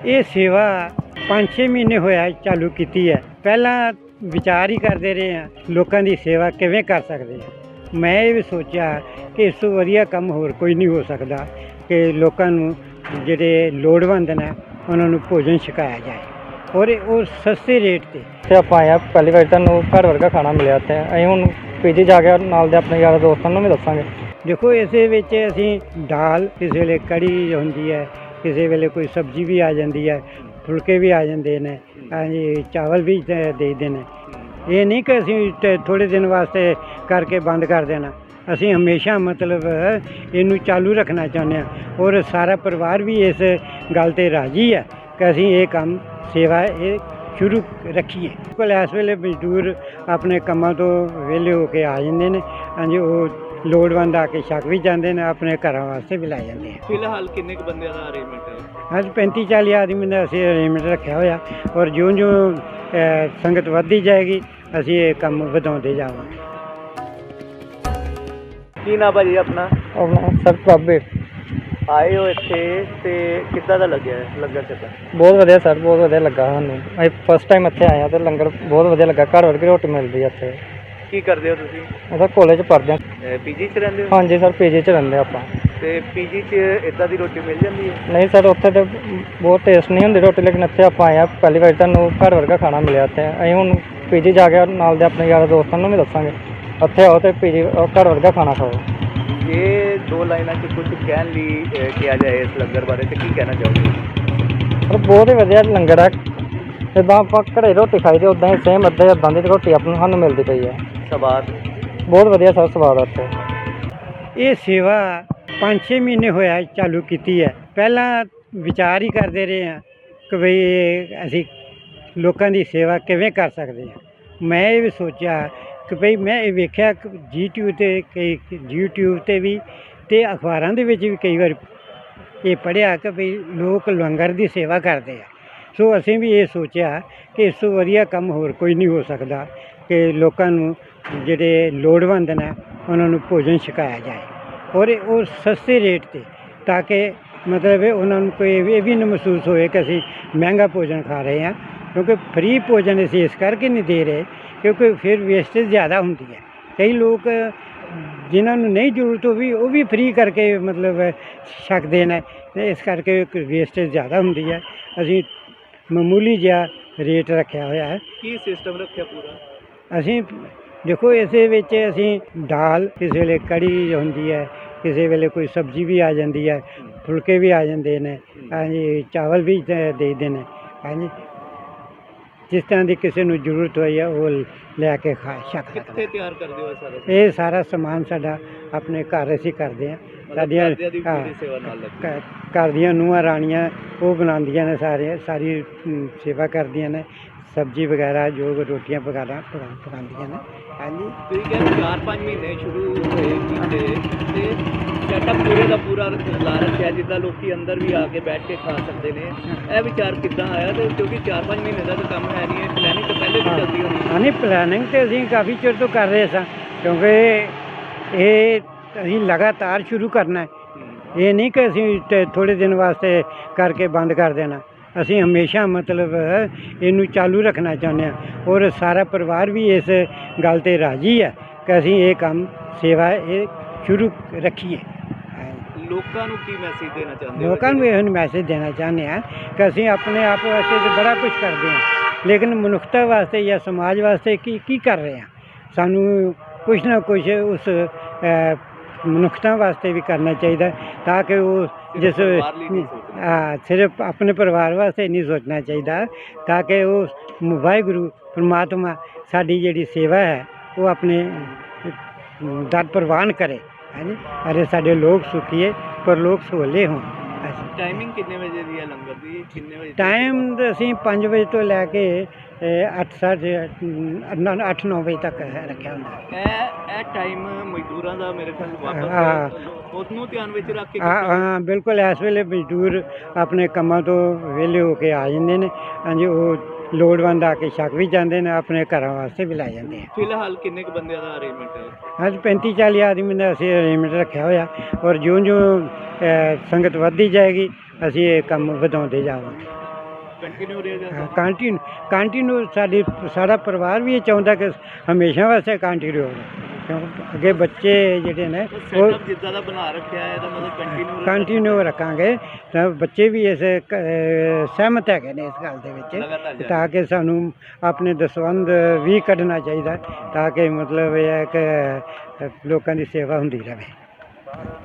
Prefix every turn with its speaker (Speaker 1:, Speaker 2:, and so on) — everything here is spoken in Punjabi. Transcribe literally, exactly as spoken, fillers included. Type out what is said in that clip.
Speaker 1: ਇਹ ਸੇਵਾ ਪੰਜ ਛੇ ਮਹੀਨੇ ਹੋਇਆ ਚਾਲੂ ਕੀਤੀ ਹੈ। ਪਹਿਲਾਂ ਵਿਚਾਰ ਹੀ ਕਰਦੇ ਰਹੇ ਹਾਂ ਲੋਕਾਂ ਦੀ ਸੇਵਾ ਕਿਵੇਂ ਕਰ ਸਕਦੇ ਹਾਂ। ਮੈਂ ਇਹ ਵੀ ਸੋਚਿਆ ਕਿ ਇਸ ਤੋਂ ਵਧੀਆ ਕੰਮ ਹੋਰ ਕੋਈ ਨਹੀਂ ਹੋ ਸਕਦਾ ਕਿ ਲੋਕਾਂ ਨੂੰ ਜਿਹੜੇ ਲੋੜਵੰਦ ਨੇ ਉਹਨਾਂ ਨੂੰ ਭੋਜਨ ਛਕਾਇਆ ਜਾਏ ਔਰ ਉਹ ਸਸਤੇ ਰੇਟ 'ਤੇ।
Speaker 2: ਤੇ ਆਪਾਂ ਆਇਆ ਪਹਿਲੀ ਵਾਰ ਤੁਹਾਨੂੰ ਘਰ ਵਰਗਾ ਖਾਣਾ ਮਿਲਿਆ ਤੇ ਅਸੀਂ ਹੁਣ ਪੀਜੀ ਜਾ ਕੇ ਨਾਲ ਦੇ ਆਪਣੇ ਯਾਰਾਂ ਦੋਸਤਾਂ ਨੂੰ ਵੀ ਦੱਸਾਂਗੇ।
Speaker 1: ਦੇਖੋ ਇਸੇ ਵਿੱਚ ਅਸੀਂ ਦਾਲ, ਕਿਸੇ ਵੇਲੇ ਕੜੀ ਹੁੰਦੀ ਹੈ, ਕਿਸੇ ਵੇਲੇ ਕੋਈ ਸਬਜ਼ੀ ਵੀ ਆ ਜਾਂਦੀ ਹੈ, ਫੁਲਕੇ ਵੀ ਆ ਜਾਂਦੇ ਨੇ, ਹਾਂਜੀ ਚਾਵਲ ਵੀ ਦੇ ਦੇਈਦੇ ਨੇ। ਇਹ ਨਹੀਂ ਕਿ ਅਸੀਂ ਥੋੜ੍ਹੇ ਦਿਨ ਵਾਸਤੇ ਕਰਕੇ ਬੰਦ ਕਰ ਦੇਣਾ। ਅਸੀਂ ਹਮੇਸ਼ਾ ਮਤਲਬ ਇਹਨੂੰ ਚਾਲੂ ਰੱਖਣਾ ਚਾਹੁੰਦੇ ਹਾਂ ਔਰ ਸਾਰਾ ਪਰਿਵਾਰ ਵੀ ਇਸ ਗੱਲ 'ਤੇ ਰਾਜ਼ੀ ਹੈ ਕਿ ਅਸੀਂ ਇਹ ਕੰਮ ਸੇਵਾ ਇਹ ਸ਼ੁਰੂ ਰੱਖੀਏ। ਕੋਲ ਇਸ ਵੇਲੇ ਮਜ਼ਦੂਰ ਆਪਣੇ ਕੰਮਾਂ ਤੋਂ ਵਿਹਲੇ ਹੋ ਕੇ ਆ ਜਾਂਦੇ ਨੇ, ਹਾਂਜੀ ਉਹ ਲੋੜਵੰਦ ਆ ਕੇ ਛਕ ਵੀ ਜਾਂਦੇ ਨੇ, ਆਪਣੇ ਘਰਾਂ ਵਾਸਤੇ ਵੀ ਲੈ ਜਾਂਦੇ ਆ।
Speaker 3: ਫਿਲਹਾਲ ਕਿੰਨੇ ਕੁ ਬੰਦਿਆਂ ਦਾ ਅਰੇਂਜਮੈਂਟ ਹੈ?
Speaker 1: ਅੱਜ ਪੈਂਤੀ ਚਾਲੀ ਆਦਮੀ ਦਾ ਅਸੀਂ ਅਰੇਂਜਮੈਂਟ ਰੱਖਿਆ ਹੋਇਆ ਔਰ ਜਿਉਂ ਜਿਉਂ ਸੰਗਤ ਵੱਧਦੀ ਜਾਏਗੀ ਅਸੀਂ ਇਹ ਕੰਮ ਵਧਾਉਂਦੇ ਜਾਵਾਂਗੇ।
Speaker 3: ਕੀ ਨਾ ਭਾਜੀ ਆਪਣਾ?
Speaker 2: ਆਪਣਾ ਸਰ ਬਾਬੇ
Speaker 3: ਆਏ ਹੋ ਇੱਥੇ ਤੇ ਕਿੱਦਾਂ ਦਾ ਲੱਗਿਆ ਲੰਗਰ ਚੱਕਰ?
Speaker 2: ਬਹੁਤ ਵਧੀਆ ਸਰ, ਬਹੁਤ ਵਧੀਆ ਲੱਗਾ ਸਾਨੂੰ। ਅਸੀਂ ਫਸਟ ਟਾਈਮ ਇੱਥੇ ਆਏ ਹਾਂ ਤੇ ਲੰਗਰ ਬਹੁਤ ਵਧੀਆ ਲੱਗਾ। ਘਰ ਵਰਗੀ ਰੋਟੀ ਮਿਲਦੀ ਹੈ ਇੱਥੇ।
Speaker 3: ਕੀ ਕਰਦੇ ਹੋ ਤੁਸੀਂ?
Speaker 2: ਅਸੀਂ ਕਾਲਜ ਪੜ੍ਹਦੇ ਹਾਂ।
Speaker 3: ਪੀਜੀ 'ਚ ਰਹਿੰਦੇ ਹੋ?
Speaker 2: ਹਾਂਜੀ ਸਰ, ਪੀਜੀ 'ਚ ਰਹਿੰਦੇ ਆਪਾਂ।
Speaker 3: ਤੇ ਪੀਜੀ 'ਚ ਇਦਾਂ ਦੀ ਰੋਟੀ ਮਿਲ ਜਾਂਦੀ ਹੈ?
Speaker 2: ਨਹੀਂ ਸਰ, ਉੱਥੇ ਤਾਂ ਬਹੁਤ ਟੇਸਟ ਨਹੀਂ ਹੁੰਦੀ ਰੋਟੀ, ਲੇਕਿਨ ਇੱਥੇ ਆਪਾਂ ਆਏ ਹਾਂ ਪਹਿਲੀ ਵਾਰ ਤੁਹਾਨੂੰ ਘਰ ਵਰਗਾ ਖਾਣਾ ਮਿਲਿਆ ਤੇ ਅਸੀਂ ਹੁਣ ਪੀਜੀ ਜਾ ਕੇ ਨਾਲ ਦੇ ਆਪਣੇ ਯਾਰਾਂ ਦੋਸਤਾਂ ਨੂੰ ਵੀ ਦੱਸਾਂਗੇ ਉੱਥੇ ਆਓ ਤੇ ਪੀਜੀ ਘਰ ਵਰਗਾ ਖਾਣਾ ਖਾਓ।
Speaker 3: ਇਹ ਦੋ ਲਾਈਨਾਂ 'ਚ ਕੁਝ ਕਹਿਣ ਲਈ ਕਿਹਾ ਜਾਏ ਇਸ ਲੰਗਰ ਬਾਰੇ ਤੇ ਕੀ ਕਹਿਣਾ ਚਾਹੋਗੇ?
Speaker 2: ਪਰ ਬਹੁਤ ਹੀ ਵਧੀਆ ਲੰਗਰ ਹੈ। ਜਿੱਦਾਂ ਆਪਾਂ ਘਰੇ ਰੋਟੀ ਖਾਈ ਦੀ ਉੱਦਾਂ ਹੀ ਸੇਮ ਅੱਧੇ ਇੱਦਾਂ ਦੀ ਰੋਟੀ ਆਪਾਂ ਨੂੰ ਸਾਨੂੰ ਮਿਲਦੀ ਪਈ ਹੈ।
Speaker 3: ਸਵਾਦ
Speaker 2: ਬਹੁਤ ਵਧੀਆ ਸਰ, ਸਵਾਦ ਆ ਇੱਥੇ।
Speaker 1: ਇਹ ਸੇਵਾ ਪੰਜ ਛੇ ਮਹੀਨੇ ਹੋਇਆ ਚਾਲੂ ਕੀਤੀ ਹੈ। ਪਹਿਲਾਂ ਵਿਚਾਰ ਹੀ ਕਰਦੇ ਰਹੇ ਹਾਂ ਕਿ ਬਈ ਇਹ ਅਸੀਂ ਲੋਕਾਂ ਦੀ ਸੇਵਾ ਕਿਵੇਂ ਕਰ ਸਕਦੇ ਹਾਂ। ਮੈਂ ਇਹ ਵੀ ਸੋਚਿਆ ਕਿ ਭਈ ਮੈਂ ਇਹ ਵੇਖਿਆ ਕਿ ਯੂਟਿਊਬ 'ਤੇ ਕਈ ਯੂਟਿਊਬ 'ਤੇ ਵੀ ਅਤੇ ਅਖਬਾਰਾਂ ਦੇ ਵਿੱਚ ਵੀ ਕਈ ਵਾਰ ਇਹ ਪੜ੍ਹਿਆ ਕਿ ਭਈ ਲੋਕ ਲੰਗਰ ਦੀ ਸੇਵਾ ਕਰਦੇ ਆ। ਸੋ ਅਸੀਂ ਵੀ ਇਹ ਸੋਚਿਆ ਕਿ ਇਸ ਤੋਂ ਵਧੀਆ ਕੰਮ ਹੋਰ ਕੋਈ ਨਹੀਂ ਹੋ ਸਕਦਾ ਕਿ ਲੋਕਾਂ ਨੂੰ ਜਿਹੜੇ ਲੋੜਵੰਦ ਨੇ ਉਹਨਾਂ ਨੂੰ ਭੋਜਨ ਛਕਾਇਆ ਜਾਏ ਔਰ ਉਹ ਸਸਤੇ ਰੇਟ 'ਤੇ, ਤਾਂ ਕਿ ਮਤਲਬ ਉਹਨਾਂ ਨੂੰ ਕੋਈ ਇਹ ਵੀ ਨਾ ਮਹਿਸੂਸ ਹੋਏ ਕਿ ਅਸੀਂ ਮਹਿੰਗਾ ਭੋਜਨ ਖਾ ਰਹੇ ਹਾਂ। ਕਿਉਂਕਿ ਫਰੀ ਭੋਜਨ ਅਸੀਂ ਇਸ ਕਰਕੇ ਨਹੀਂ ਦੇ ਰਹੇ ਕਿਉਂਕਿ ਫਿਰ ਵੇਸਟੇਜ ਜ਼ਿਆਦਾ ਹੁੰਦੀ ਹੈ। ਕਈ ਲੋਕ ਜਿਨ੍ਹਾਂ ਨੂੰ ਨਹੀਂ ਜ਼ਰੂਰਤ ਉਹ ਵੀ ਉਹ ਵੀ ਫਰੀ ਕਰਕੇ ਮਤਲਬ ਛਕਦੇ ਨੇ ਅਤੇ ਇਸ ਕਰਕੇ ਵੇਸਟੇਜ ਜ਼ਿਆਦਾ ਹੁੰਦੀ ਹੈ। ਅਸੀਂ ਮਾਮੂਲੀ ਜਿਹਾ ਰੇਟ ਰੱਖਿਆ ਹੋਇਆ ਹੈ।
Speaker 3: ਕੀ ਸਿਸਟਮ ਰੱਖਿਆ ਪੂਰਾ?
Speaker 1: ਅਸੀਂ ਦੇਖੋ ਇਸੇ ਵਿੱਚ ਅਸੀਂ ਦਾਲ, ਕਿਸੇ ਵੇਲੇ ਕੜੀ ਹੁੰਦੀ ਹੈ, ਕਿਸੇ ਵੇਲੇ ਕੋਈ ਸਬਜ਼ੀ ਵੀ ਆ ਜਾਂਦੀ ਹੈ, ਫੁਲਕੇ ਵੀ ਆ ਜਾਂਦੇ ਨੇ, ਹਾਂਜੀ ਚਾਵਲ ਵੀ ਦੇ ਦੇਈਦੇ ਨੇ, ਹਾਂਜੀ ਜਿਸ ਤਰ੍ਹਾਂ ਦੀ ਕਿਸੇ ਨੂੰ ਜ਼ਰੂਰਤ ਹੋਈ ਹੈ ਉਹ ਲੈ ਕੇ ਖਾ ਛਕ ਸਕਦਾ।
Speaker 3: ਕਿੱਥੇ ਤਿਆਰ ਕਰਦੇ ਹੋ ਸਾਰਾ?
Speaker 1: ਇਹ ਸਾਰਾ ਸਮਾਨ ਸਾਡਾ ਆਪਣੇ ਘਰ ਅਸੀਂ ਕਰਦੇ ਹਾਂ। ਸਾਡੀਆਂ ਹਾਂ
Speaker 3: ਸੇਵਾ ਨਾਲ ਲੱਗੀ
Speaker 1: ਘ- ਘਰ ਦੀਆਂ ਨੂੰਹਾਂ ਰਾਣੀਆਂ ਉਹ ਬਣਾਉਂਦੀਆਂ ਨੇ, ਸਾਰੇ ਸਾਰੀ ਅਮ, ਸੇਵਾ ਕਰਦੀਆਂ ਨੇ, ਸਬਜ਼ੀ ਵਗੈਰਾ ਜੋ ਰੋਟੀਆਂ ਵਗੈਰਾ ਪਕਾ- ਪਕਾਉਂਦੀਆਂ ਨੇ, ਹਾਂਜੀ।
Speaker 3: ਤੁਸੀਂ ਕਹਿੰਦੇ ਚਾਰ ਪੰਜ ਮਹੀਨੇ ਸ਼ੁਰੂ ਹੋਏ ਕੀਤੇ ਤੇ ਸੈਟਅਪ ਪੂਰੇ ਦਾ ਪੂਰਾ ਲਾ ਰੱਖਿਆ ਜਿੱਦਾਂ ਲੋਕੀ ਅੰਦਰ ਵੀ ਆ ਕੇ ਬੈਠ ਕੇ ਖਾ ਸਕਦੇ ਨੇ। ਇਹ ਵਿਚਾਰ ਕਿੱਦਾਂ ਆਇਆ? ਤੇ ਕਿਉਂਕਿ ਚਾਰ ਪੰਜ ਮਹੀਨੇ ਦਾ ਤਾਂ ਕੰਮ ਹੈ ਨਹੀਂ, ਇਹ ਪਲੈਨਿੰਗ ਤਾਂ ਪਹਿਲੇ ਵੀ ਚੱਲਦੀ ਹੋਣੀ।
Speaker 1: ਹਾਂ ਨਹੀਂ, ਪਲੈਨਿੰਗ ਤਾਂ ਅਸੀਂ ਕਾਫੀ ਚਿਰ ਤੋਂ ਕਰ ਰਹੇ ਸਾਂ ਕਿਉਂਕਿ ਇਹ ਅਸੀਂ ਲਗਾਤਾਰ ਸ਼ੁਰੂ ਕਰਨਾ ਹੈ। ਇਹ ਨਹੀਂ ਕਿ ਅਸੀਂ ਥੋੜ੍ਹੇ ਦਿਨ ਵਾਸਤੇ ਕਰਕੇ ਬੰਦ ਕਰ ਦੇਣਾ। ਅਸੀਂ ਹਮੇਸ਼ਾ ਮਤਲਬ ਇਹਨੂੰ ਚਾਲੂ ਰੱਖਣਾ ਚਾਹੁੰਦੇ ਹਾਂ ਔਰ ਸਾਰਾ ਪਰਿਵਾਰ ਵੀ ਇਸ ਗੱਲ 'ਤੇ ਰਾਜ਼ੀ ਹੈ ਕਿ ਅਸੀਂ ਇਹ ਕੰਮ ਸੇਵਾ ਇਹ ਸ਼ੁਰੂ ਰੱਖੀਏ।
Speaker 3: ਲੋਕਾਂ ਨੂੰ ਕੀ ਮੈਸੇਜ ਦੇਣਾ ਚਾਹੁੰਦੇ ਹੋ?
Speaker 1: ਲੋਕਾਂ ਨੂੰ ਇਹ ਮੈਸੇਜ ਦੇਣਾ ਚਾਹੁੰਦੇ ਹਾਂ ਕਿ ਅਸੀਂ ਆਪਣੇ ਆਪ ਵਾਸਤੇ ਤਾਂ ਬੜਾ ਕੁਝ ਕਰਦੇ ਹਾਂ ਲੇਕਿਨ ਮਨੁੱਖਤਾ ਵਾਸਤੇ ਜਾਂ ਸਮਾਜ ਵਾਸਤੇ ਕੀ ਕੀ ਕਰ ਰਹੇ ਹਾਂ। ਸਾਨੂੰ ਕੁਛ ਨਾ ਕੁਛ ਉਸ ਮਨੁੱਖਤਾ ਵਾਸਤੇ ਵੀ ਕਰਨਾ ਚਾਹੀਦਾ ਤਾਂ ਕਿ ਉਹ ਜਿਸ ਹਾਂ ਸਿਰਫ ਆਪਣੇ ਪਰਿਵਾਰ ਵਾਸਤੇ ਨਹੀਂ ਸੋਚਣਾ ਚਾਹੀਦਾ ਤਾਂ ਕਿ ਉਹ ਵਾਹਿਗੁਰੂ ਪਰਮਾਤਮਾ ਸਾਡੀ ਜਿਹੜੀ ਸੇਵਾ ਹੈ ਉਹ ਆਪਣੇ ਦਰ ਪ੍ਰਵਾਨ ਕਰੇ, ਹਾਂਜੀ ਅਰੇ ਸਾਡੇ ਲੋਕ ਸੁਖੀਏ ਪਰ ਲੋਕ ਸਹੂਲੇ ਹੋਣ।
Speaker 3: ਟਾਈਮਿੰਗ ਕਿੰਨੇ ਵਜੇ ਦੀ ਹੈ ਲੰਗਰ ਦੀ? ਕਿੰਨੇ ਵਜੇ
Speaker 1: ਟਾਈਮ ਅਸੀਂ ਪੰਜ ਵਜੇ ਤੋਂ ਲੈ ਕੇ ਅੱਠ ਸਾਢੇ ਅੱਠ ਨੌ ਵਜੇ ਤੱਕ ਰੱਖਿਆ ਹੁੰਦਾ।
Speaker 3: ਇਹ ਇਹ ਟਾਈਮ ਮਜ਼ਦੂਰਾਂ ਦਾ ਮੇਰੇ ਖਿਆਲ
Speaker 1: ਹਾਂ
Speaker 3: ਵਾਪਸ ਉਸ ਨੂੰ ਧਿਆਨ ਵਿੱਚ ਰੱਖ ਕੇ
Speaker 1: ਹਾਂ ਹਾਂ ਬਿਲਕੁਲ। ਇਸ ਵੇਲੇ ਮਜ਼ਦੂਰ ਆਪਣੇ ਕੰਮਾਂ ਤੋਂ ਵਿਹਲੇ ਹੋ ਕੇ ਆ ਜਾਂਦੇ ਨੇ, ਹਾਂਜੀ ਉਹ ਲੋੜਵੰਦ ਆ ਕੇ ਛਕ ਵੀ ਜਾਂਦੇ ਨੇ, ਆਪਣੇ ਘਰਾਂ ਵਾਸਤੇ ਵੀ ਲੈ ਜਾਂਦੇ ਆ।
Speaker 3: ਫਿਲਹਾਲ ਕਿੰਨੇ ਕੁ ਬੰਦਿਆਂ ਦਾ ਅਰੇਂਜਮੈਂਟ ਹੈ?
Speaker 1: ਅੱਜ ਪੈਂਤੀ ਚਾਲੀ ਆਦਮੀ ਦਾ ਅਸੀਂ ਅਰੇਂਜਮੈਂਟ ਰੱਖਿਆ ਹੋਇਆ ਔਰ ਜਿਉਂ ਜਿਉਂ ਸੰਗਤ ਵੱਧਦੀ ਜਾਏਗੀ ਅਸੀਂ ਇਹ ਕੰਮ ਵਧਾਉਂਦੇ ਜਾਵਾਂਗੇ।
Speaker 3: ਕੰਟੀਨਿਊ ਰਹੇਗਾ।
Speaker 1: ਕੰਟੀਨਿਊ ਕੰਟੀਨਿਊ ਸਾਡੀ ਸਾਡਾ ਪਰਿਵਾਰ ਵੀ ਇਹ ਚਾਹੁੰਦਾ ਕਿ ਹਮੇਸ਼ਾ ਵਾਸਤੇ ਕੰਟੀਨਿਊ ਹੋਵੇ, ਕਿਉਂਕਿ ਅੱਗੇ ਬੱਚੇ ਜਿਹੜੇ ਨੇ ਉਹ
Speaker 3: ਸੈਟਅਪ ਜਿੱਦਾਂ ਦਾ ਬਣਾ ਰੱਖਿਆ ਹੈ ਇਹਦਾ ਮਤਲਬ ਕੰਟੀਨਿਊ
Speaker 1: ਕੰਟੀਨਿਊ ਰੱਖਾਂਗੇ ਤਾਂ ਬੱਚੇ ਵੀ ਇਸ ਕ- ਅਹ ਸਹਿਮਤ ਹੈਗੇ ਨੇ ਇਸ ਗੱਲ ਦੇ
Speaker 3: ਲਗਾਤਾਰ
Speaker 1: ਵਿੱਚ,
Speaker 3: ਜਾਰੀ।
Speaker 1: ਤਾਂ ਕਿ ਸਾਨੂੰ ਆਪਣੇ ਦਸਵੰਧ ਵੀ ਕੱਢਣਾ ਚਾਹੀਦਾ ਤਾਂ ਕਿ ਮਤਲਬ ਇਹ ਹੈ ਕਿ ਅਹ, ਲੋਕਾਂ ਦੀ ਸੇਵਾ ਹੁੰਦੀ ਰਹੇ।